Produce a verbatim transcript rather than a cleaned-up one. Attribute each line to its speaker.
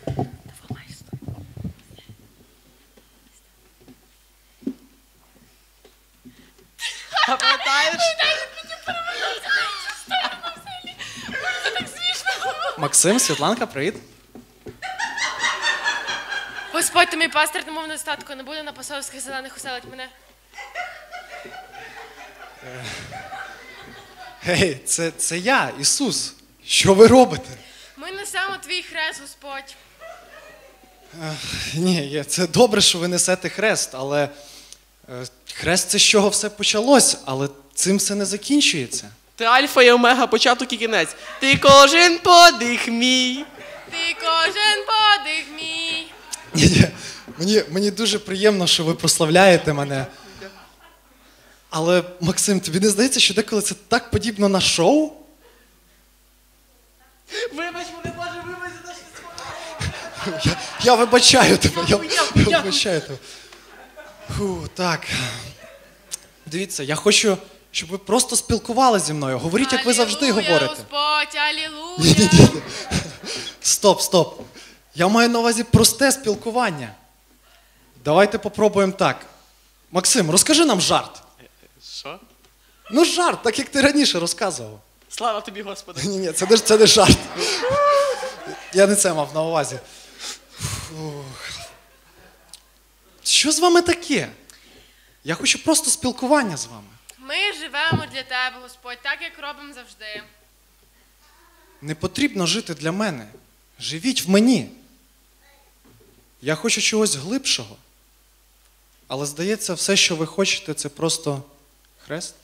Speaker 1: А пам'ятаєш?
Speaker 2: Максим, Світланка, привіт.
Speaker 3: Господь, ти мій пастир, немов недостатку, не буде на пасовських зелених уселить мене.
Speaker 2: Гей, це, це я, Ісус. Що ви робите?
Speaker 3: Ми несемо твій хрест, Господь.
Speaker 2: Ні, це добре, що ви несете хрест, але е, хрест – це з чого все почалось, але цим все не закінчується.
Speaker 1: Ти альфа і омега, початок і кінець. Ти кожен подих мій.
Speaker 3: Ти кожен подих мій.
Speaker 2: Ні, ні, мені, мені дуже приємно, що ви прославляєте мене. Але, Максим, тобі не здається, що деколи це так подібно на шоу?
Speaker 1: Вибач мене, Боже, вибач за те, що
Speaker 2: Я, я вибачаю тебе, я,
Speaker 1: Дякую, дякую,
Speaker 2: я вибачаю тебе. Фу, так. Дивіться, я хочу, щоб ви просто спілкувалися зі мною. Говоріть, як ви завжди
Speaker 3: Алілуя,
Speaker 2: говорите.
Speaker 3: Господь, алілуя.
Speaker 2: Ні-ні-ні. Стоп, стоп. Я маю на увазі просте спілкування. Давайте попробуємо так. Максим, розкажи нам жарт.
Speaker 1: Що?
Speaker 2: Ну жарт, так як ти раніше розказував.
Speaker 1: Слава тобі, Господи.
Speaker 2: Ні-ні, це не, це не жарт. Я не це мав на увазі. Фух. Що з вами таке? Я хочу просто спілкування з вами.
Speaker 3: Ми живемо для тебе, Господь, так, як робимо завжди.
Speaker 2: Не потрібно жити для мене. Живіть в мені. Я хочу чогось глибшого. Але, здається, все, що ви хочете, це просто хрест.